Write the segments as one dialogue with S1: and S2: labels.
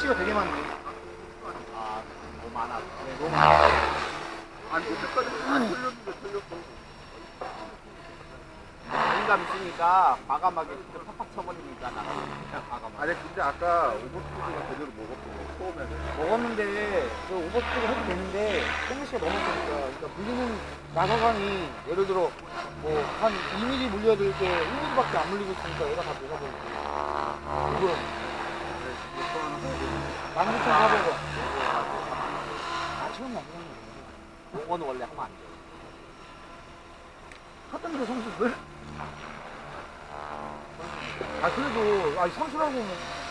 S1: 플래시가 되게 많네.
S2: 아, 너무 많아.
S1: 네, 너무 많아.
S3: 아니 여태까지 다 틀렸는데 틀렸어.
S2: 자신감 있으니까 과감하게 진짜 팍팍 쳐버리니까 나가. 그냥 과감하게.
S3: 아니 근데 아까 오버스피드가 제대로 먹었고 처음에는.
S1: 먹었는데 그 오버스피드 해도 되는데 플래시가 너무 세니까 그러니까 물리는 나사관이 예를 들어 뭐 한 2mm 물려야 될 게 1mm밖에 안 물리고 있으니까 얘가 다 녹아버리고 이거 19,400원. 아 처음에 안 그런
S2: 요거는 원래 하면 안 돼.
S1: 하던데 선수들? 아 그래도 아니 선수라고 뭐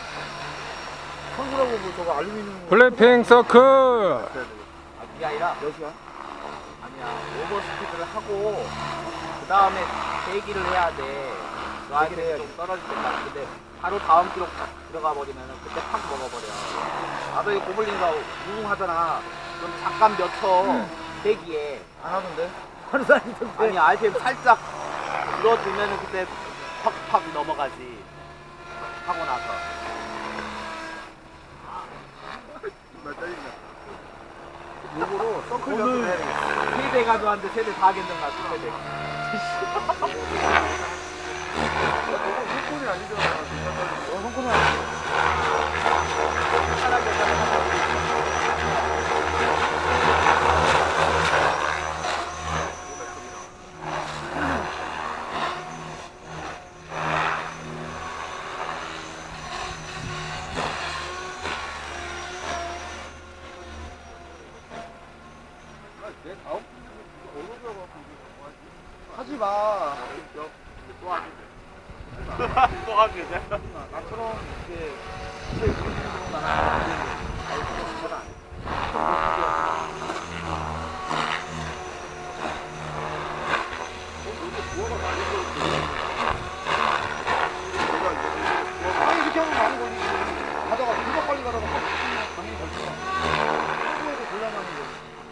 S1: 저거 알루미늄
S4: 블랙핑 서클.
S2: 아, 그게 아니라
S1: 몇이야?
S2: 아니야. 오버스피드를 하고 그 다음에 대기를 해야 돼. 그 아이들이 좀 떨어질 때까지. 근데 바로 다음 기록 들어가 버리면은 그때 팍 먹어버려. 나도 이 고블린가 우웅하잖아. 그럼 잠깐 몇 초 대기에.
S1: 안 하던데? 하는 사람이 있던데.
S2: 아니 RPM 살짝 줄어들면은 그때 팍팍 넘어가지. 하고 나서.
S3: 정말 짜증나.
S2: 요거로 서클 연습을 해야 되겠어. 세대 가져왔는데 세대 다 괜찮나 세대.
S3: 너가 손권이 아니잖아.
S1: 손코는
S3: 내 다음 어느 들어가고
S1: 하지 마.
S3: 또 하지.
S2: 또 하게 돼.
S1: 나처럼 이렇게 제일 기본적으로 나는 안 되는 건 안 해. 아니 이렇게 하면 많이 걸리지. 가다가 금방 빨리 가다가 당연히 걸리잖아. 평소에도 곤란하는 거지.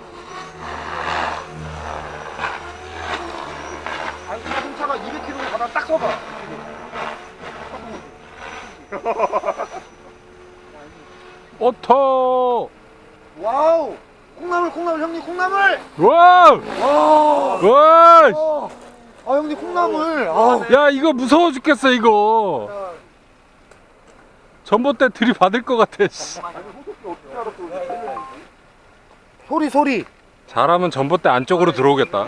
S1: 아니 자동차가 200km 가다가 딱 서봐.
S4: 오토.
S1: 와우! 콩나물 형님 콩나물!
S4: 와우.
S1: 와!
S4: 와.
S1: 아 형님 콩나물! 아,
S4: 야 이거 무서워 죽겠어 이거. 전봇대 들이받을 것 같아. 씨.
S1: 소리
S4: 잘하면 전봇대 안쪽으로 들어오겠다.